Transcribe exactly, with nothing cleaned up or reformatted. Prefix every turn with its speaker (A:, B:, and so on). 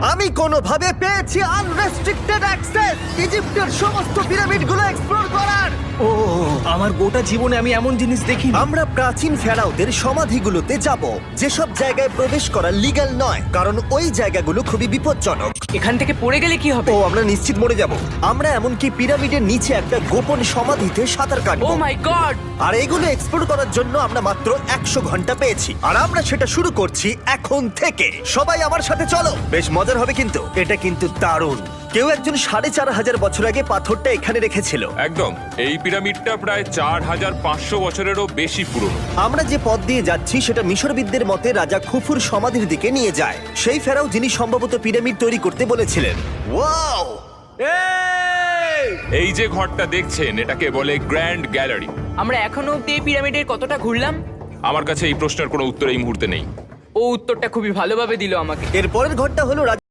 A: আমি কোনোভাবে পেয়েছি আনরেস্ট্রিক্টেড অ্যাক্সেস ইজিপ্টের সমস্ত পিরামিডগুলো এক্সপ্লোর করার।
B: ও আমার গোটা জীবনে আমি এমন জিনিস দেখিনি।
A: আমরা প্রাচীন ফেরাওদের সমাধিগুলোতে যাব, যেসব জায়গায় প্রবেশ করা লিগ্যাল নয়, কারণ ওই জায়গাগুলো খুবই বিপজ্জনক।
C: এখান থেকে পড়ে গেলে কি হবে?
A: ও আমরা নিশ্চিত মরে যাব। আমরা এমনকি পিরামিডের নিচে একটা গোপন সমাধিতে সাঁতার
C: ও
A: কাটবো।
C: মাই গড!
A: আর এগুলো এক্সপ্লোর করার জন্য আমরা মাত্র একশো ঘন্টা পেয়েছি, আর আমরা সেটা শুরু করছি এখন থেকে। সবাই আমার সাথে চলো, বেশ মজার হবে কিন্তু। এটা কিন্তু দারুণ। কেউ একজন সাড়ে চার হাজার বছর আগে পাথরটা এখানে রেখেছিল।
D: একদম, এই পিরামিডটা প্রায় চার হাজার পাঁচশো বছরেরও বেশি পুরনো।
A: আমরা যে পথ দিয়ে যাচ্ছি সেটা মিশরবিদদের মতে রাজা খুফুর সমাধির দিকে নিয়ে যায়, সেই ফেরাও যিনি সম্ভবত পিরামিড তৈরি করতে বলেছিলেন। ওয়াও!
D: এই যে ঘরটা দেখছেন, এটাকে বলে গ্র্যান্ড গ্যালারি।
C: আমরা এখনো অব্দি এই পিরামিডের কতটা ঘুরলাম?
D: আমার কাছে এই প্রশ্নের কোনো উত্তর এই মুহূর্তে নেই।
C: ও উত্তরটা খুবই ভালোভাবে দিল আমাকে।
A: এর পরের ঘরটা হলো